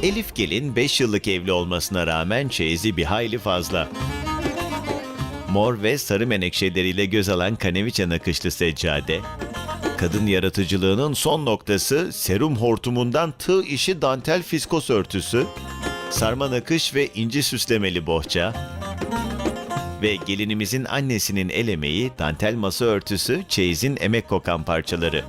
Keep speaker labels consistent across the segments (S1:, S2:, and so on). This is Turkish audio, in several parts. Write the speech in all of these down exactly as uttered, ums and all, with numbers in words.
S1: Elif gelin beş yıllık evli olmasına rağmen çeyizi bir hayli fazla. Mor ve sarı menekşeleriyle göz alan kaneviçe nakışlı seccade, kadın yaratıcılığının son noktası serum hortumundan tığ işi dantel fiskos örtüsü, sarma nakış ve inci süslemeli bohça ve gelinimizin annesinin el emeği dantel masa örtüsü çeyizin emek kokan parçaları.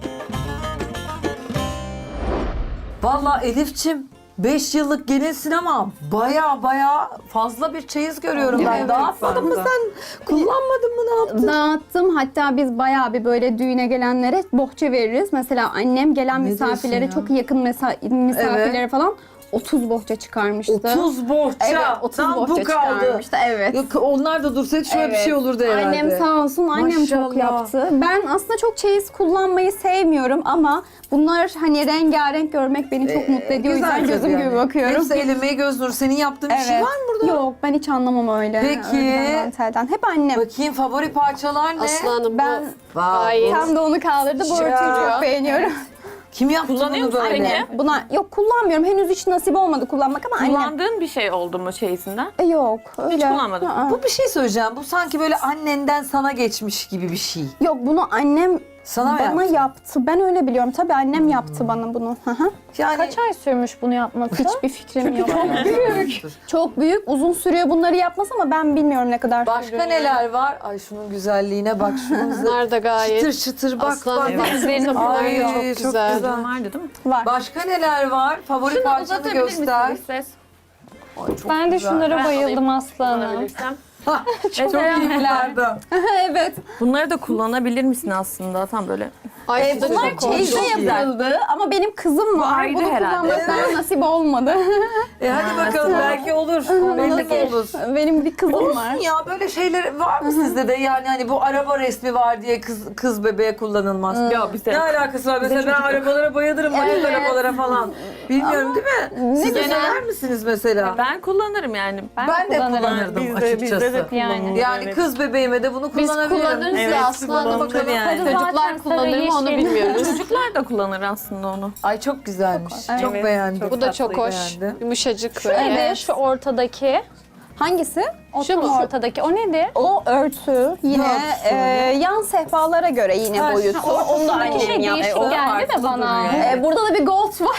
S2: Vallahi Elif'çim beş yıllık gelinsin ama baya baya fazla bir çeyiz görüyorum ben.
S3: Evet,
S2: Dağıtmadın mı
S3: ben de.
S2: sen? Kullanmadın mı, ne yaptın?
S3: Dağıttım. Hatta biz bayağı bir böyle düğüne gelenlere bohça veririz. Mesela annem gelen
S2: Ne
S3: misafirlere,
S2: diyorsun ya?
S3: çok yakın mesa- misafirlere falan otuz bohça çıkarmıştı.
S2: otuz bohça.
S3: Evet, otuz
S2: Tam
S3: bohça
S2: bu kaldı.
S3: çıkarmıştı. Evet.
S2: Yok, onlar da dursaydı şöyle bir
S3: Evet.
S2: şey olurdu herhalde.
S3: Annem sağ olsun, annem çok
S2: Maşallah.
S3: yaptı. Ben aslında çok çeyiz kullanmayı sevmiyorum ama bunlar hani rengarenk görmek beni çok mutlu ediyor. O yüzden
S2: Güzel
S3: gözüm
S2: tabii
S3: gibi
S2: yani.
S3: bakıyorum.
S2: Hepsi el emeği göz nuru. Senin yaptığın bir şey var mı burada?
S3: Yok, ben hiç anlamam öyle.
S2: Peki.
S3: Örgüden, dantelden. Hep annem.
S2: Bakayım favori parçalar ne?
S4: Aslanım
S3: Ben
S4: bu
S2: Vay,
S4: gayet
S3: tam da onu kaldırdı. Bu
S2: Ya.
S3: örtüyü çok beğeniyorum.
S2: Kim yaptı
S5: Kullanıyor
S2: bunu
S5: musun
S2: böyle?
S5: peki?
S3: Buna yok, kullanmıyorum. Henüz hiç nasip olmadı kullanmak ama annem.
S5: Kullandığın bir şey oldu mu çeyizinden?
S3: E, yok öyle.
S5: Hiç kullanmadın.
S3: Aa.
S2: Bu bir şey söyleyeceğim. Bu sanki böyle annenden sana geçmiş gibi bir şey.
S3: Yok, bunu annem
S2: Sana mı
S3: bana
S2: yaptı?
S3: yaptı. Ben öyle biliyorum. Tabii annem yaptı bana bunu. Hı hı.
S2: Yani
S6: Kaç ay sürmüş bunu yapması?
S3: Hiçbir fikrim yok.
S2: büyük.
S3: Çok büyük, uzun sürüyor bunları yapması ama ben bilmiyorum ne kadar
S2: Başka
S3: sürdüğünü.
S2: neler var? Ay şunun güzelliğine bak. Şunun
S4: bunlar da gayet
S2: çıtır çıtır bak
S4: aslanım.
S2: bak.
S4: Üzerine
S2: Ay,
S4: falan
S2: çok
S4: çok
S2: güzel.
S4: güzel.
S5: Vardı değil mi?
S3: var.
S2: Başka neler var? Favori
S5: Şunu
S2: parçanı
S5: uzatabilir
S2: göster.
S5: misiniz ses?
S2: Ay, çok
S6: Ben de
S2: güzel.
S6: şunlara
S5: Ben
S6: bayıldım
S5: alayım,
S6: aslanım.
S5: kullanabilirsem.
S2: Hah, çok
S5: Mesela
S2: iyi bunlardan.
S3: Evet.
S5: Bunları da kullanabilir misin aslında? Tam böyle.
S4: Ay
S3: E,
S4: bu da
S3: bunlar
S4: çok hoş.
S3: çeyizde
S2: Çok iyi.
S3: yapıldı ama benim kızım var.
S5: ayrı
S3: Bunu
S5: herhalde.
S3: kullanmak bana nasip olmadı.
S2: E hadi bakalım belki olur. Belli mi olur?
S3: Benim bir kızım
S2: Olsun
S3: var.
S2: ya, böyle şeyler var mı sizde de? Yani hani bu araba resmi var diye kız kız bebeğe kullanılmaz.
S5: Ya bize.
S2: Ne alakası var? Mesela ben arabalara bayılırım, manik
S3: Evet.
S2: arabalara falan. Bilmiyorum değil mi? Siz de
S3: güzel.
S2: sever misiniz mesela?
S5: Ben kullanırım yani.
S2: Ben, de kullanırdım
S5: Bizde-
S2: açıkçası.
S5: bizde de
S6: Yani.
S5: kullanılır,
S2: Yani
S5: evet.
S2: kız bebeğime de bunu
S4: Biz
S2: kullanabilirim.
S4: kullanırız
S5: Evet,
S4: da aslanım.
S5: kullanılır
S4: Bakalım
S5: yani.
S4: çocuklar
S6: Zaten
S4: kullanır mı onu
S6: sarı, yeşil.
S4: bilmiyoruz.
S5: Çocuklar da kullanır aslında onu.
S2: Ay çok güzelmiş. Çok
S5: Evet,
S2: beğendim.
S4: Bu da çok hoş.
S2: beğendim.
S4: Yumuşacık
S6: Nedir
S4: böyle.
S6: şu ortadaki?
S3: Hangisi?
S6: O
S4: Şu
S6: tam
S4: mu?
S6: ortadaki. O nedir?
S3: O örtü yine
S2: örtüsü?
S3: e, yan sehpalara göre yine
S2: Ha,
S3: boyutu.
S2: şu
S3: Onu da
S6: Ortadaki şey
S3: annem
S6: değişik
S3: yaptı.
S6: geldi de bana.
S3: E, burada da bir gold var.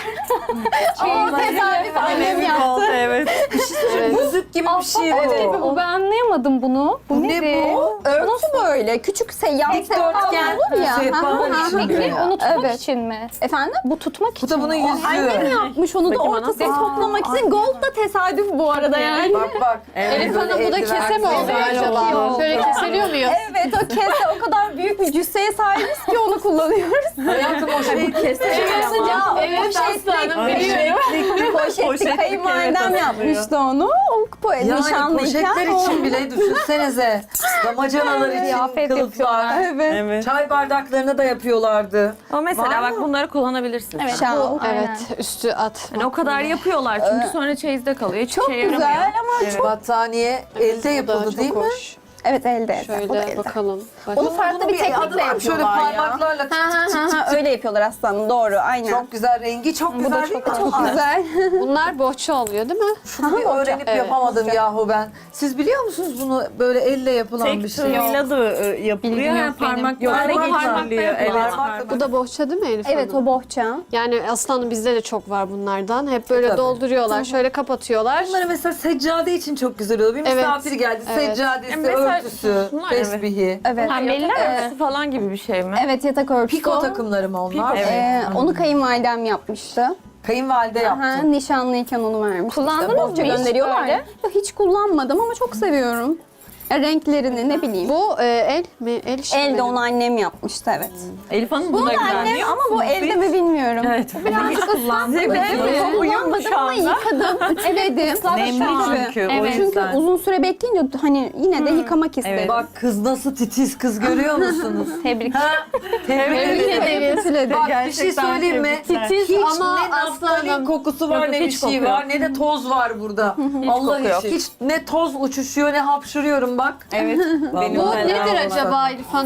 S3: Ama tesadüf annem yaptı.
S5: Evet.
S2: Müzik gibi bir şey bu.
S6: Evet, bu. Ben anlayamadım bunu. Bu,
S2: Bu ne
S6: nedir?
S2: bu?
S3: Örtü böyle küçük se yan sehpalar
S2: Dikdörtgen
S3: olur ya.
S2: sehpalar
S3: Hı hı hı.
S2: içinde.
S6: Peki onu tutmak
S3: Evet.
S6: için mi?
S3: Efendim?
S6: Bu tutmak
S2: Bu
S6: için
S2: da bunun
S6: mi?
S2: yüzüğü.
S3: Annem yapmış onu da
S5: Bakayım
S3: ortasını
S5: ana.
S3: toplamak için. Gold da tesadüf bu arada yani.
S2: Bak bak.
S4: Elif Hanım bu da kese mi oluyor
S3: Evet, çok iyi
S4: acaba?
S3: oldu.
S4: Şöyle kesiliyor muyuz?
S3: Evet, o kese o kadar büyük bir cüsseye sahibiz ki onu kullanıyoruz.
S2: Hayatım o şey kesin.
S3: Ya
S4: Evet,
S3: poşetlik,
S4: aslanım, biliyorum.
S3: poşetlik
S5: Poşetlik,
S3: kayınvalidem
S5: evet,
S3: yapmıştı onu. O po-
S2: Yani
S3: nişanlıyken
S2: poşetler
S3: o-
S2: için bile düşünsenize. Damacanalar için
S6: Kıyafet
S2: kılıflar.
S3: Evet.
S5: Evet.
S2: Çay bardaklarını da yapıyorlardı.
S5: Ama mesela
S2: Var
S5: bak
S2: mı?
S5: bunları kullanabilirsin.
S6: Evet.
S3: Şal.
S6: Bu, aynen.
S4: Evet üstü at.
S5: Yani o kadar yapıyorlar çünkü sonra çeyizde kalıyor. Hiç
S3: Çok
S5: şey yaramıyor.
S3: güzel ama çok...
S2: Battaniye elde
S4: Bu da
S2: yapıldı
S4: çok
S2: değil mi?
S4: hoş.
S3: Evet, elde elde. O da
S4: Şöyle
S3: elde.
S4: bakalım. Bak.
S3: Onu farklı
S2: Bunun
S3: bir
S2: adı
S3: teknikle
S2: var, şöyle
S3: yapıyorlar ya.
S2: parmaklarla tık
S3: Ha ha
S2: tık
S3: ha
S2: tık
S3: ha,
S2: tık.
S3: öyle yapıyorlar aslanım, doğru, aynen.
S2: Çok güzel, rengi çok güzel değil mi?
S3: Çok güzel.
S4: Bunlar bohça oluyor değil mi?
S2: Şunu bir öğrenip
S4: Evet.
S2: yapamadım yahu ben. Siz biliyor musunuz bunu, böyle elle yapılan bir
S5: Tek
S2: şey?
S5: tığıyla da e, yapılıyor.
S6: Bilgim
S5: Yani
S6: yok benim.
S5: parmaklarla
S2: Yok,
S5: geçiriliyor. Evet.
S2: Parmakla-
S4: Bu da bohça değil mi Elif
S3: Evet,
S4: Hanım?
S3: o bohça.
S4: Yani aslanım bizde de çok var bunlardan. Hep böyle
S2: Tabii.
S4: dolduruyorlar. Şöyle kapatıyorlar.
S2: Bunları mesela seccade için çok güzel oluyor. Bir
S4: Evet,
S2: misafir geldi,
S4: evet.
S2: seccadesi,
S5: E mesela
S2: örtüsü,
S5: şunlar, evet.
S2: tesbihi.
S3: Evet.
S6: Pembeliler
S5: Yatak
S6: mi?
S5: örtüsü falan gibi bir şey mi?
S3: Evet, yatak örtüsü.
S2: Piko takımları mı onlar?
S5: Evet.
S3: Ee, onu kayınvalidem yapmıştı.
S2: Kayınvalide
S3: Aha,
S2: yaptı.
S3: nişanlıyken onu vermişti.
S6: Kullandınız
S3: İşte
S6: mı
S3: bohça
S6: hiç
S3: gönderiyorlar
S6: böyle?
S3: ya. Yok, hiç kullanmadım ama çok seviyorum. Ya, renklerini ne bileyim.
S4: Bu e, el mi? El işi
S3: Elde
S4: mi?
S3: onu annem yapmıştı, evet.
S5: Elif Hanım
S3: Bunu
S5: buna
S3: da annem
S5: güveniyor
S3: ama bu
S5: musunuz
S3: elde
S5: hiç?
S3: mi bilmiyorum.
S5: Evet. Hiç kullandım.
S3: Evet,
S5: Çok uyum mu
S3: kullanmadım
S5: şu
S3: ama
S5: anda?
S3: yıkadım, ütüledim.
S5: Nemli
S3: Tabii.
S5: çünkü o
S6: Evet.
S3: Çünkü
S5: yüzden.
S3: uzun süre bekleyince hani yine de yıkamak istedim.
S2: Bak kız nasıl titiz kız, görüyor musunuz?
S6: Tebrik.
S2: Ha? Tebrik ederim.
S3: Evet, ütüledim.
S2: Bak bir şey
S5: Gerçekten
S2: söyleyeyim mi?
S5: tebrikler.
S2: Hiç
S4: ama
S2: ne naftalin
S4: aslanım.
S2: kokusu var,
S5: Yok,
S2: ne bir
S5: hiç
S2: şey
S5: koku yok.
S2: var, ne de toz var burada. Allah
S5: koku yok.
S2: için. Hiç ne toz uçuşuyor, ne hapşırıyorum bak.
S5: Evet. Benim
S4: Bu
S5: de
S4: nedir
S5: var.
S4: acaba Elif Hanım?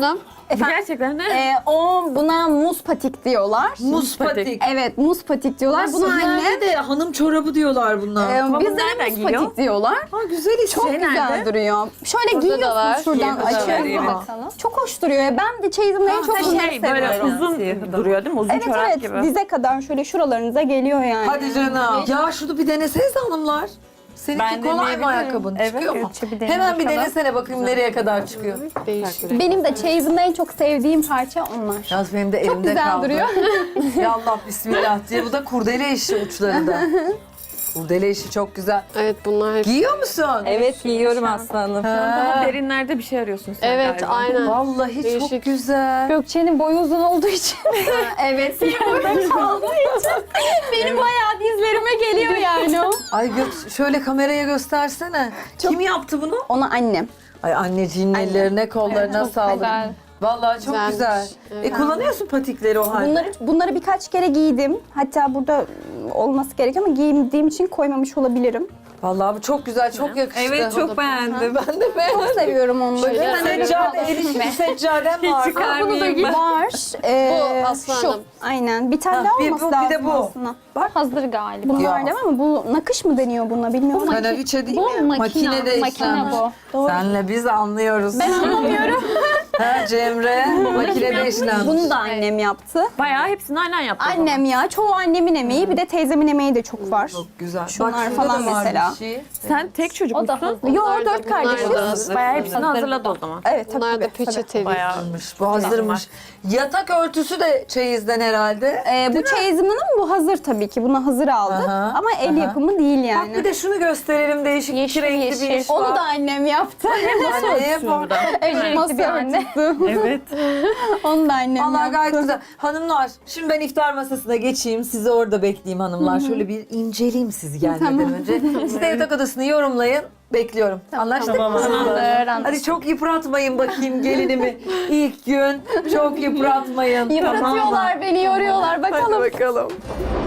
S3: Efendim?
S5: Gerçekten ne?
S3: Ee, o buna muz patik diyorlar.
S2: Muz patik.
S3: Evet, muz patik diyorlar.
S2: Nasıl
S3: Buna anne
S2: yani de hanım çorabı diyorlar bunlar.
S3: e,
S5: Ama
S3: bizde
S5: nereden
S3: de muz
S5: giyiyor?
S3: patik diyorlar.
S2: Ha güzel iş.
S3: Çok
S5: Şey
S3: güzel
S5: nerede?
S3: duruyor. Şöyle
S4: Burada da var.
S3: giyiyorsun şuradan
S4: Burada da var,
S3: açıyorsun.
S2: evet.
S3: Bakalım. Çok hoş duruyor. ya. Ben de çeyizimde en çok
S5: Ha,
S3: bunları
S5: şey böyle
S3: seviyorum.
S5: uzun duruyor değil mi? Uzun
S3: Evet
S5: çorap
S3: evet,
S5: gibi.
S3: dize kadar şöyle şuralarınıza geliyor yani.
S2: Hadi canım. Ya şunu bir deneseniz hanımlar. Seninki
S5: Ben
S2: kolay mı
S5: deneyebilirim.
S2: ayakkabın?
S5: Evet,
S2: Çıkıyor mu?
S5: evet, bir dene
S2: Hemen bir
S5: bakalım.
S2: denesene bakayım nereye kadar çıkıyor.
S4: Değişik.
S3: Benim de çeyizimde en çok sevdiğim parça onlar.
S2: Yalnız benim de
S3: Çok
S2: elimde
S3: güzel
S2: kaldı.
S3: duruyor.
S2: Ya Allah bismillah diye. Bu da kurdele işi uçlarında. Kurdele işi çok güzel.
S4: Evet bunlar hep.
S2: Giyiyor musun?
S5: Evet giyiyorum aslanım.
S2: Ha.
S5: Daha derinlerde bir şey arıyorsun sen
S4: Evet
S5: galiba.
S4: aynen.
S2: Vallahi çok
S4: Değişik.
S2: güzel.
S6: Gökçe'nin boyu uzun olduğu için.
S3: Evet, senin burada kaldığı için benim bayağı dizlerime geliyor yani o.
S2: Ay gö- şöyle kameraya göstersene. Kim yaptı bunu?
S3: Ona annem.
S2: Ay anneciğin ellerine kollarına
S6: çok
S2: sağlık.
S6: güzel.
S2: Vallahi çok
S4: Güzelmiş.
S2: güzel.
S4: Evet.
S2: E kullanıyorsun patikleri o halde.
S3: Bunları bunları birkaç kere giydim. Hatta burada olması gerekiyor ama giydiğim için koymamış olabilirim.
S2: Vallahi bu çok güzel, çok yakıştı.
S5: Evet çok beğendim.
S2: Ben de beğendim.
S3: Çok seviyorum onları.
S4: Şöyle
S2: Seccade, el işi seccadem var.
S5: Çıkarmayayım ben.
S3: Var. Ee,
S4: Bu aslanım.
S3: Şu. Aynen. Bir tane
S2: Ha,
S3: daha
S2: bir
S3: olması
S2: bu, bir
S3: lazım
S2: de bu.
S3: aslında.
S6: Hazır galiba.
S3: Bunlar
S2: Ya.
S3: değil mi? Bu nakış mı deniyor buna bilmiyorum.
S2: Kanaviçe değil
S6: Bu
S2: mi?
S6: makine.
S2: Makinede
S6: Makine
S2: işlenmiş.
S6: bu.
S2: Senle biz anlıyoruz. Ben anlamıyorum. Ha Cemre, makinede işlenmiş.
S3: Bunu da annem yaptı.
S5: Bayağı hepsini aynen yaptı. o zaman.
S3: Annem ya. Çoğu annemin emeği. Bir de teyzemin emeği de çok var.
S2: Çok güzel.
S3: Şunlar
S2: Bak, şurada
S3: falan
S2: da var
S3: mesela.
S2: bir şey.
S5: Sen tek çocuk
S6: O da
S5: musun?
S6: hazır.
S3: Yo,
S4: Bunlar da-
S3: dört
S4: bunlar da
S3: kardeşiz.
S4: hazır.
S5: Bayağı hepsini hazırladı o zaman.
S3: Evet tabii.
S4: Bunlar da
S3: tabii, tabii.
S4: peçeteli.
S5: Bayağı.
S2: Hazırmış, Bu hazırmış. Yatak örtüsü de çeyizden herhalde.
S3: Ee, bu çeyizimin ama bu hazır tabii ki. Bunu hazır aldık.
S2: Aha,
S3: Ama el
S2: aha.
S3: yapımı değil
S2: Bak
S3: yani.
S2: bir de şunu gösterelim. Değişik
S6: Yeşil,
S2: iki renkli bir
S6: yeşil.
S2: iş var.
S3: Onu da annem yaptı.
S2: Anneye bak.
S3: Evet, masa
S6: bir anne.
S3: örtüsü.
S5: Evet.
S3: Onu da annem
S2: Vallahi
S3: yaptı.
S2: gayet güzel. Hanımlar, şimdi ben iftar masasına geçeyim. Sizi orada bekleyeyim hanımlar. Şöyle bir inceleyeyim sizi gelmeden önce. Siz de yatak odasını yorumlayın. Bekliyorum. Anlaştık mı?
S6: Tamamdır.
S2: Hadi çok yıpratmayın bakayım gelinimi. İlk gün çok yıpratmayın. Tamam mı?
S3: Yıpratıyorlar beni, yoruyorlar. Bakalım.
S2: Hadi bakalım.